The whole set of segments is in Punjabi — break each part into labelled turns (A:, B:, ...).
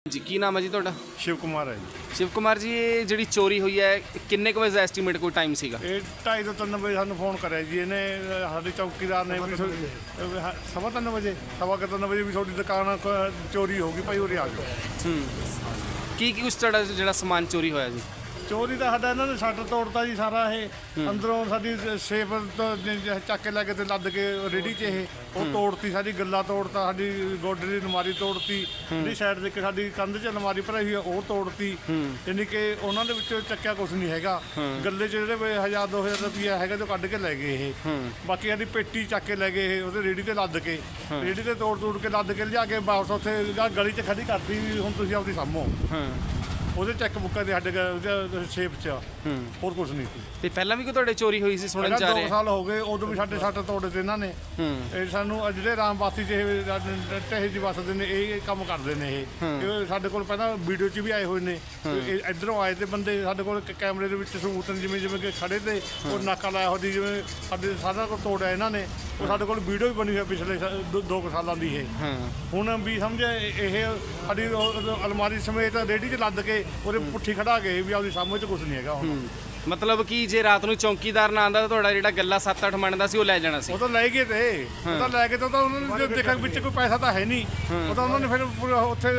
A: जी की नाम है जी ਤੁਹਾਡਾ?
B: शिव कुमार है जी।
A: शिव कुमार जी ये ਜਿਹੜੀ ਚੋਰੀ ਹੋਈ ਹੈ ਕਿੰਨੇ ਕੁ ਵਜੇ ਦਾ ਐਸਟੀਮੇਟ ਕੋਈ ਟਾਈਮ ਸੀਗਾ?
B: ਇਹ 2:30 ਤੋਂ 3 ਵਜੇ ਸਾਨੂੰ ਫੋਨ ਕਰਿਆ ਜੀ ਇਹਨੇ ਸਾਡੇ ਚੌਕੀਦਾਰ ਨੇ ਵੀ ਸਵਾ 3 ਵਜੇ ਵੀ ਤੁਹਾਡੀ ਦੁਕਾਨ ਚੋਰੀ ਹੋ ਗਈ ਭਾਈ ਉਰੇ ਆ ਜਾਓ।
A: ਕੀ ਕੁਛ ਤੁਹਾਡਾ ਜਿਹੜਾ ਸਮਾਨ ਚੋਰੀ ਹੋਇਆ ਜੀ?
B: ਚੋਰੀ ਦਾ ਸਾਡਾ ਇਹਨਾਂ ਨੇ ਸ਼ਟਰ ਤੋੜਤਾ ਜੀ ਸਾਰਾ। ਇਹ ਅੰਦਰੋਂ ਸਾਡੀ ਸੇਫ ਚੱਕ ਕੇ ਲੈ ਕੇ ਤੇ ਲੱਦ ਕੇ ਰੇੜੀ 'ਚ ਉਹ ਤੋੜਤੀ, ਸਾਡੀ ਗੱਲਾ ਤੋੜਤਾ, ਸਾਡੀ ਗੋਡੇ ਦੀ ਅਲਮਾਰੀ ਤੋੜਤੀ, ਜਿਹੜੀ ਸਾਈਡ ਦੇ ਕੇ ਸਾਡੀ ਕੰਧ 'ਚ ਅਲਮਾਰੀ ਭਰਾਈ ਹੋਈ ਆ ਉਹ ਤੋੜਤੀ। ਯਾਨੀ ਕਿ ਉਹਨਾਂ ਦੇ ਵਿੱਚੋਂ ਚੱਕਿਆ ਕੁਛ ਨਹੀਂ ਹੈਗਾ। ਗੱਲੇ 'ਚ ਜਿਹੜੇ 1000-2000 ਰੁਪਈਆ ਹੈਗਾ ਜੋ ਕੱਢ ਕੇ ਲੈ ਗਏ ਇਹ। ਬਾਕੀ ਸਾਡੀ ਪੇਟੀ ਚੱਕ ਕੇ ਲੈ ਗਏ ਇਹ, ਉਹਦੇ ਰੇੜੀ ਤੇ ਲੱਦ ਕੇ, ਰੇੜੀ ਤੇ ਤੋੜ ਕੇ ਲੱਦ ਕੇ ਲਿਜਾ ਕੇ ਵਾਪਸ ਉੱਥੇ ਗਲੀ 'ਚ ਖੜੀ ਕਰਤੀ ਵੀ ਹੁਣ ਤੁਸੀਂ ਆਪਦੀ ਸਾਂਭੋ। ਉਹਦੇ ਚੈੱਕ ਬੁੱਕਾਂ ਦੇ ਸਾਡੇ ਸ਼ੇਪ 'ਚ ਹੋਰ ਕੁਝ ਨਹੀਂ ਸੀ।
A: ਤੇ ਪਹਿਲਾਂ ਵੀ ਕੋਈ ਤੁਹਾਡੇ ਚੋਰੀ ਹੋਈ ਸੀ ਸੁਣਨ ਚ ਆ ਰਿਹਾ?
B: 2 ਸਾਲ ਹੋ ਗਏ, ਉਦੋਂ ਵੀ ਸਾਡੇ ਸੱਟ ਤੋੜੇ ਤੇ ਇਹਨਾਂ ਨੇ। ਇਹ ਸਾਨੂੰ ਜਿਹੜੇ ਰਾਮਬਾਸੀ 'ਚ ਟਹੇ ਜੀ ਵਸਦੇ ਨੇ ਇਹ ਕੰਮ ਕਰਦੇ ਨੇ। ਇਹ ਸਾਡੇ ਕੋਲ ਪਹਿਲਾਂ ਵੀਡੀਓ 'ਚ ਵੀ ਆਏ ਹੋਏ ਨੇ। ਇੱਧਰੋਂ ਆਏ ਤੇ ਬੰਦੇ ਸਾਡੇ ਕੋਲ ਕੈਮਰੇ ਦੇ ਵਿੱਚ ਸਬੂਤ ਨੇ, ਜਿਵੇਂ ਕਿ ਖੜੇ ਤੇ ਉਹ ਨਾਕਾ ਲਾਇਆ ਹੋਦੀ, ਜਿਵੇਂ ਸਾਡੇ ਸਾਰਾ ਕੁਝ ਤੋੜਿਆ ਇਹਨਾਂ ਨੇ। ਉਹ ਸਾਡੇ ਕੋਲ ਵੀਡੀਓ ਵੀ ਬਣੀ ਹੋਈ ਪਿਛਲੇ 2 ਸਾਲਾਂ ਦੀ। ਇਹ ਹੁਣ ਵੀ ਸਮਝੇ ਇਹ ਸਾਡੀ ਅਲਮਾਰੀ ਸਮੇਤ ਰੇਹੜੀ 'ਚ ਲੱਦ ਕੇ ਉਹਦੇ ਪੁੱਠੀ ਖੜਾ ਗਏ ਵੀ ਆਪਦੀ ਸਾਹਮਣੇ 'ਚ ਕੁਝ ਨਹੀਂ ਹੈਗਾ ਹੁਣ।
A: ਮਤਲਬ ਕਿ ਜੇ ਰਾਤ ਨੂੰ ਚੌਕੀਦਾਰ ਨਾ ਆਂਦਾ ਤਾਂ ਤੁਹਾਡਾ ਜਿਹੜਾ ਗੱਲਾ 7-8 ਮਣ ਦਾ ਸੀ ਉਹ ਲੈ ਜਾਣਾ ਸੀ?
B: ਉਹ ਤਾਂ ਲੈ ਗਏ ਤੇ ਉਹ ਤਾਂ ਲੈ ਕੇ ਤਾਂ ਉਹਨਾਂ ਨੇ ਦੇਖਿਆ ਵਿੱਚ ਕੋਈ ਪੈਸਾ ਤਾਂ ਹੈ ਨਹੀਂ। ਉਹ ਤਾਂ ਉਹਨਾਂ ਨੇ ਫਿਰ ਉੱਥੇ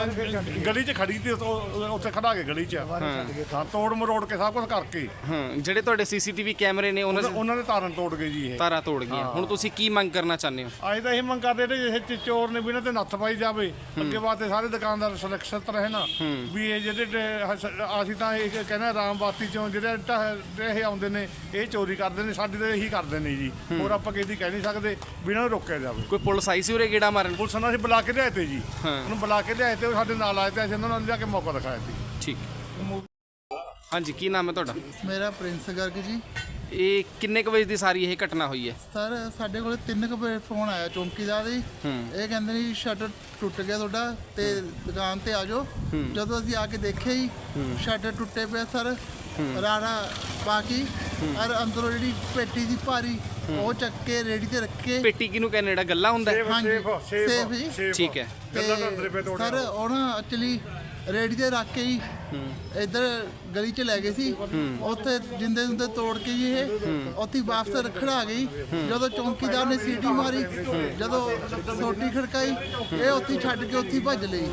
B: ਗਲੀ 'ਚ ਖੜੀ ਸੀ, ਉੱਥੇ ਖੜਾ ਕੇ ਗਲੀ 'ਚ ਹਾਂ ਤੋੜ ਮਰੋੜ ਕੇ ਸਭ ਕੁਝ ਕਰਕੇ।
A: ਜਿਹੜੇ ਤੁਹਾਡੇ ਸੀਸੀਟੀਵੀ ਕੈਮਰੇ ਨੇ
B: ਉਹਨਾਂ ਦੇ ਤਾਰਾਂ ਤੋੜ ਗਏ ਜੀ। ਇਹ
A: ਤਾਰਾਂ ਤੋੜ ਗਈਆਂ। ਹੁਣ ਤੁਸੀਂ ਕੀ ਮੰਗ ਕਰਨਾ ਚਾਹੁੰਦੇ ਹੋ?
B: ਅੱਜ ਤਾਂ ਇਹ ਮੰਗ ਕਰਦੇ ਨੇ ਇਹ ਚੋਰ ਨੇ ਵੀ ਇਹਨਾਂ ਤੇ ਨੱਥ ਪਾਈ ਜਾਵੇ। ਅੱਗੇ ਵਾਸਤੇ ਸਾਰੇ ਦੁਕਾਨਦਾਰ ਸੁਰੱਖਿਅਤ ਰਹੇ ਨਾ ਵੀ। ਇਹ ਜਿਹੜੇ ਅਸੀਂ ਤਾਂ ਇਹ ਕਹਿੰਦੇ ਰਾਮਬਾਸੀ ਚੋਂ ਜਿਹੜੇ ਇਹ ਆਉਂਦੇ ਨੇ ਇਹ ਚੋਰੀ ਕਰਦੇ ਨੇ, ਸਾਡੀ ਤਾਂ ਇਹੀ ਕਰਦੇ ਨੇ ਜੀ। ਹੋਰ ਆਪਾਂ ਕਿਸੇ ਦੀ ਕਹਿ ਨਹੀਂ ਸਕਦੇ ਵੀ ਇਹਨਾਂ ਨੂੰ ਰੋਕਿਆ ਜਾਵੇ।
A: ਕੋਈ ਪੁਲਿਸ ਆਈ ਸੀ ਉਰੇ ਗੇੜਾ ਮਾਰਨ?
B: ਪੁਲਿਸ ਨੂੰ ਅਸੀਂ ਬੁਲਾ ਕੇ ਲਿਆਏ ਤੇ ਜੀ। ਉਹਨੂੰ ਬੁਲਾ ਕੇ ਲਿਆਏ ਤੇ ਉਹ ਸਾਡੇ ਨਾਲ ਆਏ ਤੇ ਅਸੀਂ ਉਹਨਾਂ ਨੂੰ ਲਿਆ ਕੇ ਮੌਕਾ ਦਿਖਾਇਆ ਸੀ।
A: ਠੀਕ। ਹਾਂਜੀ ਕੀ ਨਾਮ ਹੈ ਤੁਹਾਡਾ?
C: ਮੇਰਾ ਪ੍ਰਿੰਸ ਗਰਗ ਜੀ।
A: ਇਹ ਕਿੰਨੇ ਕੁ ਵਜੇ ਦੀ ਸਾਰੀ ਇਹ ਘਟਨਾ ਹੋਈ ਹੈ?
C: ਸਰ ਸਾਡੇ ਕੋਲ 3 ਵਜੇ ਫੋਨ ਆਇਆ ਚੌਂਕੀਦਾਰ ਜੀ। ਇਹ ਕਹਿੰਦੇ ਨੇ ਸ਼ਟਰ ਟੁੱਟ ਗਿਆ ਤੁਹਾਡਾ ਤੇ ਦੁਕਾਨ ਤੇ ਆ ਜਾਓ। ਜਦੋਂ ਅਸੀਂ ਆ ਕੇ ਦੇਖਿਆ ਜੀ ਸ਼ਟਰ ਟੁੱਟੇ ਪਿਆ ਸਰ, ਰਾੜਾ ਬਾਕੀ ਔਰ ਅੰਦਰੋਂ ਜਿਹੜੀ ਪੇਟੀ ਦੀ ਭਾਰੀ ਉਹ ਚੱਕ ਕੇ ਰੇੜੀ ਤੇ ਰੱਖੇ।
A: ਪੇਟੀ ਕਿਹਨੂੰ ਕਹਿੰਦੇ ਜਿਹੜਾ ਗੱਲਾ ਹੁੰਦਾ?
C: ਸੇਫ ਜੀ।
A: ਠੀਕ ਹੈ।
C: ਸਰ ਉਹ ਨਾ ਐਕਚੁਅਲੀ ਰੇੜੀ ਤੇ ਰੱਖ ਕੇ ਜੀ ਇੱਧਰ ਗਲੀ 'ਚ ਲੈ ਗਏ ਸੀ। ਉੱਥੇ ਜਿੰਦੇ ਜੁੰਦੇ ਤੋੜ ਕੇ ਜੀ ਇਹ ਉੱਥੇ ਵਾਪਸ ਰੱਖਣ ਆ ਗਈ। ਜਦੋਂ ਚੌਂਕੀਦਾਰ ਨੇ ਸੀਟੀ ਮਾਰੀ, ਜਦੋਂ ਸੋਟੀ ਖੜਕਾਈ, ਇਹ ਉੱਥੇ ਛੱਡ ਕੇ ਉੱਥੇ ਭੱਜ ਲਈ।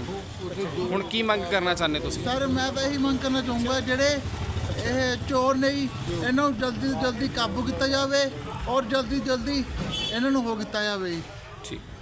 A: ਹੁਣ ਕੀ ਮੰਗ ਕਰਨਾ ਚਾਹੁੰਦੇ ਤੁਸੀਂ?
C: ਸਰ ਮੈਂ ਤਾਂ ਇਹੀ ਮੰਗ ਕਰਨਾ ਚਾਹੂੰਗਾ ਜਿਹੜੇ ਇਹ ਚੋਰ ਨੇ ਜੀ ਇਹਨਾਂ ਨੂੰ ਜਲਦੀ ਤੋਂ ਜਲਦੀ ਕਾਬੂ ਕੀਤਾ ਜਾਵੇ ਔਰ ਜਲਦੀ ਇਹਨਾਂ ਨੂੰ ਹੋ ਕੀਤਾ ਜਾਵੇ ਜੀ।
A: ਠੀਕ।